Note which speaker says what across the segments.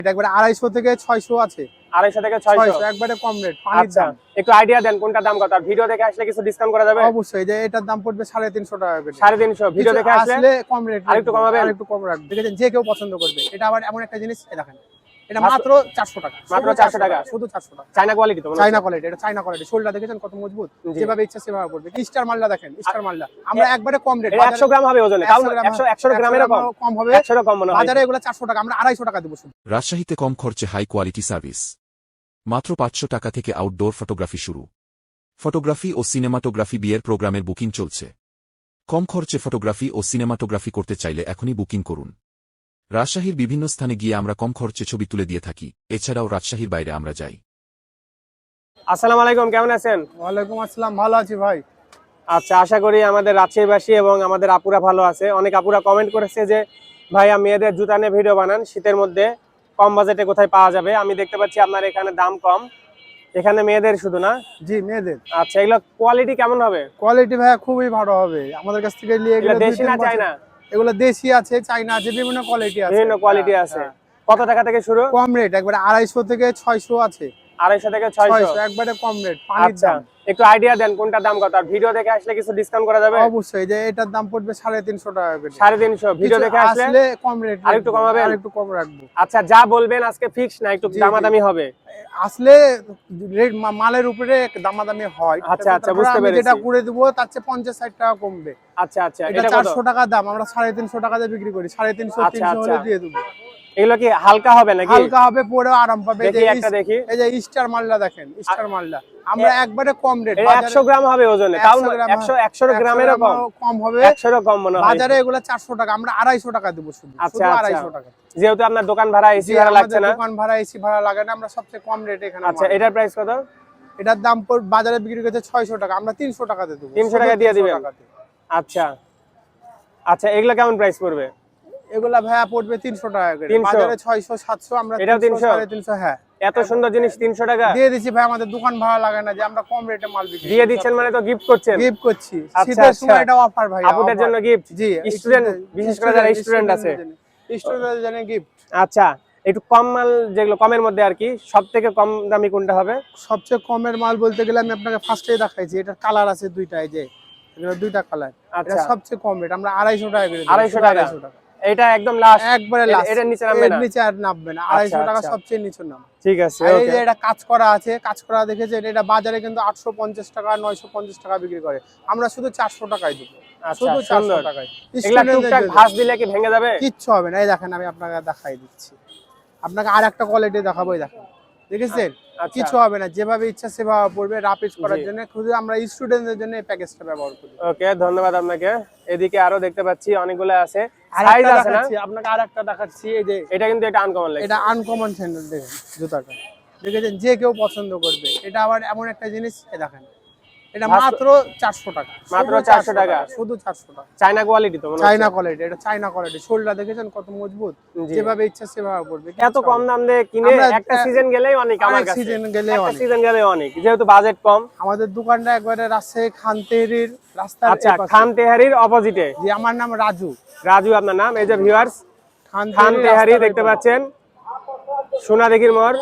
Speaker 1: এটা একবারে 250 থেকে 600 আছে।
Speaker 2: 250 থেকে 600
Speaker 1: একবারে কম রেট, পানির
Speaker 2: আচ্ছা,
Speaker 1: দাম।
Speaker 2: একটু আইডিয়া দেন কোনটা দাম কত? আর ভিডিও দেখে আসলে কিছু ডিসকাউন্ট করা যাবে?
Speaker 1: অবশ্যই, যে এটার দাম পড়বে 350 টাকা করে।
Speaker 2: 350 ভিডিও দেখে আসলে
Speaker 1: কম রেট,
Speaker 2: আরেকটু কমাবেন?
Speaker 1: আরেকটু কম রাখবেন। দেখেন যে কেউ পছন্দ করবে। এটা আবার এমন একটা জিনিস, এই দেখেন এটা মাত্র 400 টাকা।
Speaker 2: মাত্র 400 টাকা,
Speaker 1: শুধু 400 টাকা।
Speaker 2: চায়না কোয়ালিটি তো মনে হচ্ছে?
Speaker 1: চায়না কোয়ালিটি, এটা চায়না কোয়ালিটি। শোলটা দেখেছেন কত মজবুত, যেভাবে ইচ্ছা সেভাবে করবে। স্টার মালটা দেখেন, স্টার মালটা আমরা একবারে কম রেট।
Speaker 2: 100 গ্রাম হবে ওজনে, তাও 100 গ্রামেরও কম
Speaker 1: হবে।
Speaker 2: 100 কম মনে হয়।
Speaker 1: বাজারে এগুলো 400 টাকা, আমরা 250 টাকা দেব শুধু।
Speaker 3: রাজশাহীতে কম খরচে হাই কোয়ালিটি সার্ভিস, মাত্র 500 টাকা থেকে আউটডোর ফটোগ্রাফি শুরু। ফটোগ্রাফি ও সিনেমাটোগ্রাফি বিয়ের প্রোগ্রামের বুকিং চলছে। কম খরচে ফটোগ্রাফি ও সিনেমাটোগ্রাফি করতে চাইলে এখনই বুকিং করুন। রাজশাহীর বিভিন্ন স্থানে গিয়ে আমরা কম খরচে ছবি তুলে দিয়ে থাকি, এছাড়াও রাজশাহীর বাইরে আমরা যাই।
Speaker 2: আসসালামু আলাইকুম, কেমন আছেন?
Speaker 1: ওয়ালাইকুম আসসালাম, ভালো আছি ভাই।
Speaker 2: আচ্ছা, আশা করি আমাদের রাজশাহীবাসী এবং আমাদের আপুরা ভালো আছে। অনেক আপুরা কমেন্ট করেছে যে ভাইয়া মেয়েদের জুতা নিয়ে ভিডিও বানান, শীতের মধ্যে কম বাজেটে কোথায় পাওয়া যাবে। আমি দেখতে পাচ্ছি আপনার এখানে দাম কম, এখানে মেয়েদের শুধু না?
Speaker 1: জি, মেয়েদের।
Speaker 2: আচ্ছা, এগুলো কোয়ালিটি কেমন হবে?
Speaker 1: কোয়ালিটি ভাই খুবই ভালো হবে। আমাদের কাছ থেকে নিয়ে
Speaker 2: এগুলো দেশি না চায়না?
Speaker 1: এগুলো দেশি আছে, চায়না আছে, বিভিন্ন কোয়ালিটি আছে।
Speaker 2: বিভিন্ন কোয়ালিটি আছে। কত টাকা থেকে শুরু?
Speaker 1: কম রেট, একবারে 250 থেকে 600 আছে।
Speaker 2: 250 থেকে 600
Speaker 1: একবারে কম রেট, পানির দাম।
Speaker 2: একটু আইডিয়া দেন কোনটা দাম কত? আর ভিডিও দেখে আসলে কিছু ডিসকাউন্ট করা যাবে?
Speaker 1: অবশ্যই, যে এটার দাম পড়বে 350 টাকা করে।
Speaker 2: 350 ভিডিও দেখে আসলে
Speaker 1: কম রেট,
Speaker 2: আরেকটু কমাবেন?
Speaker 1: আরেকটু কম রাখবো।
Speaker 2: আচ্ছা, যা বলবেন আজকে ফিক্স না, একটু দামাদামি হবে?
Speaker 1: আসলে রেট মালের উপরে দামাদামি হয়।
Speaker 2: আচ্ছা আচ্ছা, বুঝতে পেরেছি।
Speaker 1: যেটা করে দেব তার চেয়ে 50-60 টাকা কমবে।
Speaker 2: আচ্ছা আচ্ছা,
Speaker 1: এটা 400 টাকা দাম, আমরা 350 টাকা দিয়ে বিক্রি করি। 350-300 হলে দিয়ে দেব।
Speaker 2: এগুলো কি হালকা হবে নাকি?
Speaker 1: হালকা হবে, পরে আরাম পাবে।
Speaker 2: দেখি একটা দেখি।
Speaker 1: এই যে স্টার মালটা দেখেন, স্টার মালটা আমরা একবারে কম রেট।
Speaker 2: 100 গ্রাম হবে ওজনে, তাও 100 গ্রামেরও কম হবে। 100 কম মনে হয়।
Speaker 1: বাজারে এগুলো 400 টাকা, আমরা 250 টাকা দেব শুধু।
Speaker 2: আচ্ছা
Speaker 1: 250 টাকা।
Speaker 2: যেহেতু আপনার দোকান ভাড়া, এসি ভাড়া লাগছে না?
Speaker 1: দোকান ভাড়া, এসি ভাড়া লাগে না, আমরা সবচেয়ে কম রেট এখানে।
Speaker 2: আচ্ছা, এটার প্রাইস কত?
Speaker 1: এটার দাম বাজারে বিক্রি করতে 600 টাকা, আমরা 300 টাকা দিয়ে দেব।
Speaker 2: 300 টাকা দিয়ে দিবেন? আচ্ছা আচ্ছা, এগুলো কেমন প্রাইস পড়বে?
Speaker 1: এগুলা ভাইয়া পড়বে 300 টাকা করে। বাজারে 600-700, আমরা
Speaker 2: এটাও 300?
Speaker 1: 350। হ্যাঁ,
Speaker 2: এত সুন্দর জিনিস 300 টাকা
Speaker 1: দিয়ে দিচ্ছি ভাই। আমাদের দোকান ভাড়া লাগে না, যে আমরা কম রেটে মাল বিক্রি
Speaker 2: দিয়ে দিচ্ছেন মানে তো গিফট করছেন?
Speaker 1: গিফট করছি, শীতের সময় এটা অফার ভাই,
Speaker 2: আপুদের জন্য গিফট।
Speaker 1: জি,
Speaker 2: স্টুডেন্ট, বিশেষ করে যারা স্টুডেন্ট আছে,
Speaker 1: স্টুডেন্টদের জন্য গিফট।
Speaker 2: আচ্ছা, একটু কম মাল, যেগুলো কমের মধ্যে আর কি, সবথেকে কম দামি কোনটা হবে?
Speaker 1: সবচেয়ে কমের মাল বলতে গেলে আমি আপনাকে ফার্স্টেই দেখাইছি, এটার কালার আছে দুইটা, এই যে এগুলো দুইটা কালার। এটা সবচেয়ে কম রেট, আমরা 250 টাকা করে দিই।
Speaker 2: 250 টাকা? এটা একদম লাস্ট,
Speaker 1: একবারে লাস্ট।
Speaker 2: এর নিচে নামবে না?
Speaker 1: এর নিচে আর নামবে না। 250 টাকা সবচেয়ে নিচে নাম।
Speaker 2: ঠিক আছে,
Speaker 1: এই যে এটা কাজ করা আছে, কাজ করা দেখেছেন, এটা বাজারে কিন্তু 850 টাকা 950 টাকা বিক্রি করে, আমরা শুধু 400 টাকায় দেব। শুধু 400 টাকায়।
Speaker 2: এগুলা টুকটাক ভাঁজ দিলে কি ভেঙে যাবে?
Speaker 1: কিচ্ছু হবে না। এই দেখেন, আমি আপনাকে দেখাই দিচ্ছি, আপনাকে আরেকটা কোয়ালিটি দেখাবো। এই দেখেন, দেখেছেন? কিছু হবে না, যেভাবে ইচ্ছা সেভাবে পড়বে। রাপিজ করার জন্য শুধু আমরা স্টুডেন্টদের জন্য এই প্যাকেজটা ব্যবহার করি।
Speaker 2: ওকে, ধন্যবাদ আপনাকে। এদিকে আরো দেখতে পাচ্ছি অনেকগুলো আছে, সাইজ আছে না?
Speaker 1: আপনাকে আরেকটা দেখাচ্ছি। এই যে
Speaker 2: এটা কিন্তু এটা আনকমন লাগে,
Speaker 1: এটা আনকমন স্যান্ডেল। দেখেন জুতাটা, দেখেছেন? যে কেউ পছন্দ করবে। এটা আবার এমন একটা জিনিস, এই দেখেন এটা মাত্র 400 টাকা।
Speaker 2: মাত্র 400 টাকা,
Speaker 1: শুধু 400 টাকা।
Speaker 2: চায়না কোয়ালিটি তো মনে হচ্ছে?
Speaker 1: চায়না কোয়ালিটি, এটা চায়না কোয়ালিটি। শোলটা দেখেছেন কত মজবুত, যেভাবে ইচ্ছা সেভাবে পড়বে।
Speaker 2: এত কম দাম দিয়ে কিনে একটা সিজন গেলেই অনেক, আমার কাছে
Speaker 1: সিজন গেলেই অনেক,
Speaker 2: সিজন গেলেই অনেক, যেহেতু বাজেট কম।
Speaker 1: আমাদের দোকানটা একবারে রাজশাহী খানতেহারির রাস্তার।
Speaker 2: আচ্ছা, খানতেহারির অপোজিটে।
Speaker 1: জি, আমার নাম রাজু।
Speaker 2: রাজু আপনার নাম? এই যে ভিউয়ার্স, খানতেহারি দেখতে পাচ্ছেন, সোনাদিঘির মোড়।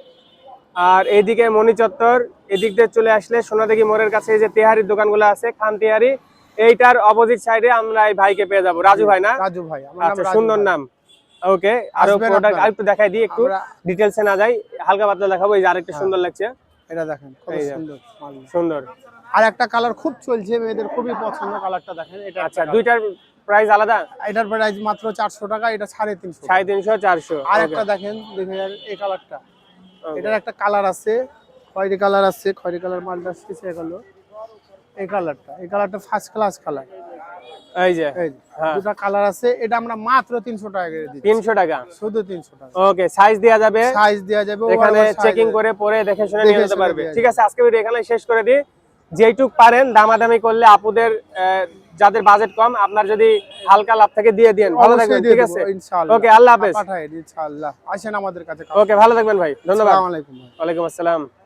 Speaker 2: আর এইদিকে মণি চত্বর, এদিক দিয়ে চলে আসলে সোনাদিঘি মোড়ের কাছে এই যে তেহারির দোকানগুলো আছে, খান তেহারি, এইটার অপোজিট সাইডে আমরা এই ভাইকে পেয়ে যাবো। রাজু ভাই না?
Speaker 1: রাজু ভাই।
Speaker 2: আচ্ছা, সুন্দর নাম। ওকে, আরো প্রোডাক্ট আরেকটু দেখাই দিই, একটু ডিটেইলসে না যাই, হালকা পাতলা দেখাবো। এই যে আরেকটা সুন্দর লাগছে,
Speaker 1: এটা দেখেন কত সুন্দর
Speaker 2: সুন্দর।
Speaker 1: আর একটা কালার খুব চলছে, মেয়েদের খুবই পছন্দ কালারটা, দেখেন এটা।
Speaker 2: আচ্ছা, দুইটার প্রাইস আলাদা?
Speaker 1: এটার প্রাইস মাত্র 400 টাকা, এটা 350।
Speaker 2: 350 400।
Speaker 1: আর একটা দেখেন, দেখেন এই কালারটা, এটার একটা কালার আছে, খয়েরি কালার আছে, খয়েরি কালার মালটা শেষে গেল। এই কালারটা ফার্স্ট ক্লাস কালার।
Speaker 2: এই যে
Speaker 1: দুটো কালার আছে, এটা আমরা মাত্র 300 টাকা করে দিই।
Speaker 2: 300 টাকা?
Speaker 1: শুধু 300 টাকা।
Speaker 2: ওকে, সাইজ দেয়া যাবে?
Speaker 1: সাইজ দেয়া যাবে,
Speaker 2: এখানে চেকিং করে পরে দেখে শুনে নিয়ে যেতে পারবে। ঠিক আছে, আজকে ভিডিও এখানে শেষ করে দিই। যেইটুক পারেন দামাদামি করলে আপুদের, যাদের বাজেট কম, আপনার যদি হালকা লাভ থেকে দিয়ে দেন, ভালো থাকবেন। ঠিক আছে,
Speaker 1: ইনশাআল্লাহ।
Speaker 2: ওকে, আল্লাহ হাফেজ।
Speaker 1: পাঠাই ইনশাআল্লাহ, আসেন আমাদের কাছে।
Speaker 2: ওকে, ভালো থাকবেন ভাই, ধন্যবাদ।
Speaker 1: আসসালামু আলাইকুম।
Speaker 2: ওয়ালাইকুম আসসালাম।